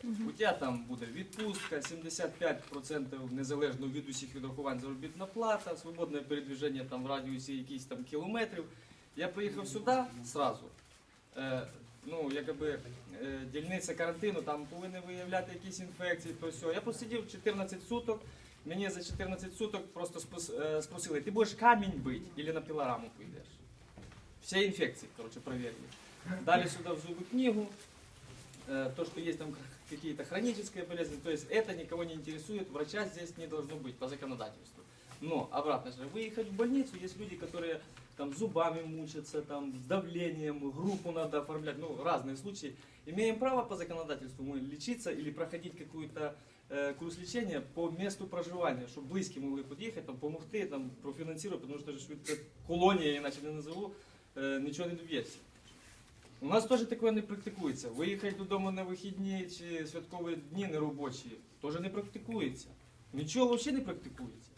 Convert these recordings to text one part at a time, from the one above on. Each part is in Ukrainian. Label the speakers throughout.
Speaker 1: У тебе там буде відпустка, 75% незалежно від усіх відрахувань заробітна плата, свободне передвіження там в радіусі якихось там кілометрів. Я приїхав сюди сразу. Ну, якби дільниця карантину, там повинні виявляти якісь інфекції, то все. Я посидів 14 суток, мені за 14 суток просто спросили, ти будеш камінь бити або на пилораму пойдеш? Все инфекции, короче, проверили. Дали сюда в зубы книгу, то, что есть там какие-то хронические болезни, то есть это никого не интересует, врача здесь не должно быть по законодательству. Но, обратно же, выехать в больницу, есть люди, которые там зубами мучатся, там с давлением, группу надо оформлять, ну, разные случаи. Имеем право по законодательству мы лечиться или проходить какую-то курс лечения по месту проживания, чтобы близкие могли подъехать, там, помогти, там, профинансировать, потому что же колония, иначе не назову, нічого не доб'ється. У нас теж таке не практикується. Виїхати додому на вихідні чи святкові дні неробочі теж не практикується. Нічого взагалі не практикується.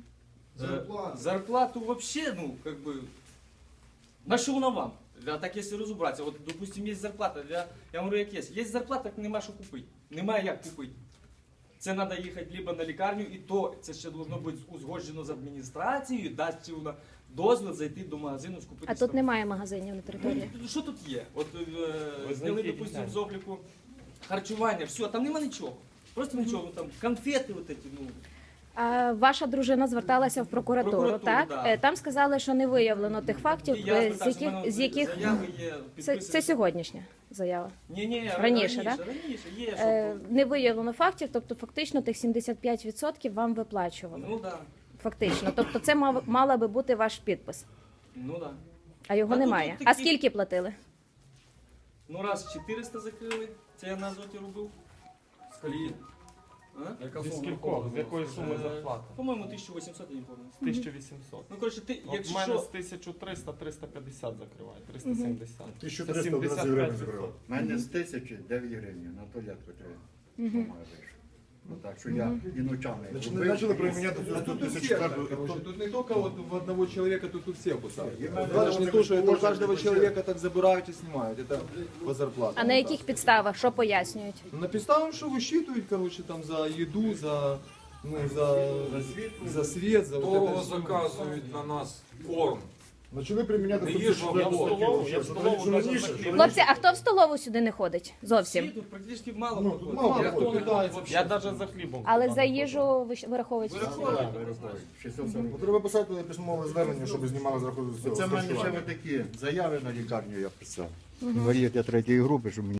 Speaker 1: Зарплату взагалі, ну, как бы, на що вона вам? Так, якщо розібратися, от, допустим, є зарплата, я говорю, як є. Є зарплата, так нема що купити. Немає як купити. Це треба їхати либо на лікарню, і то це ще повинно бути узгоджено з адміністрацією, дасть вона дозвіл зайти до магазину, скупити.
Speaker 2: А тут немає магазинів на території?
Speaker 1: Ну, що тут є? От зняли, допустимо, з обліку харчування, все, там нема нічого. Просто нічого, ну, там конфети вот эти, ну.
Speaker 2: А ваша дружина зверталася в прокуратуру, так?
Speaker 1: Да.
Speaker 2: Там сказали, що не виявлено тих фактів, з яких...
Speaker 1: Заяви є,
Speaker 2: Це сьогоднішня заява.
Speaker 1: Ні,
Speaker 2: раніше,
Speaker 1: да? Раніше є, що...
Speaker 2: Не виявлено фактів, тобто фактично тих 75% вам виплачували.
Speaker 1: Ну, да.
Speaker 2: Фактично. Тобто це мала би бути ваш підпис.
Speaker 1: Ну, да.
Speaker 2: А його немає. А скільки платили?
Speaker 1: Ну, раз 400 закрили, це я на Азоті робив. З колії.
Speaker 3: Зі скількох? З якої суми зарплата?
Speaker 1: По-моєму, 1800, я не пам'ятаю.
Speaker 3: З 1800.
Speaker 1: Ну, коротше, ти,
Speaker 3: От
Speaker 1: якщо
Speaker 3: в мене
Speaker 1: що...
Speaker 3: з 1300 350 закриває, 370.
Speaker 4: 1300 11 гривень забрав. У мене з 1000 9 гривень, на туалетку треба. Ну так, що я і ночами.
Speaker 5: Начали применять
Speaker 4: тут
Speaker 5: Тут не только вот в одного человека, тут все кусают. Даже не то, что это у каждого человека так забирают и снимают. Это по зарплате.
Speaker 2: А на яких підставах? Що пояснюють?
Speaker 5: На підставам, що висчитують, короче, там за їду, за світ, за
Speaker 6: Довго
Speaker 5: вот это.
Speaker 6: заказують на нас корм.
Speaker 4: Почали приміняти
Speaker 6: Не їжу, а
Speaker 2: Хлопці, а хто в столову сюди не ходить? Зовсім.
Speaker 1: Тут практично мало.
Speaker 4: Ну, тут мало
Speaker 5: Я
Speaker 4: хто
Speaker 5: питаюся.
Speaker 3: Я навіть за хлібом.
Speaker 2: Але за їжу ви вираховуєте?
Speaker 4: Треба писати письмове звернення, щоб знімали з рахунку цього. Це в мене ще такі заяви на лікарню я писав. Інвалід я третьої групи, щоб мені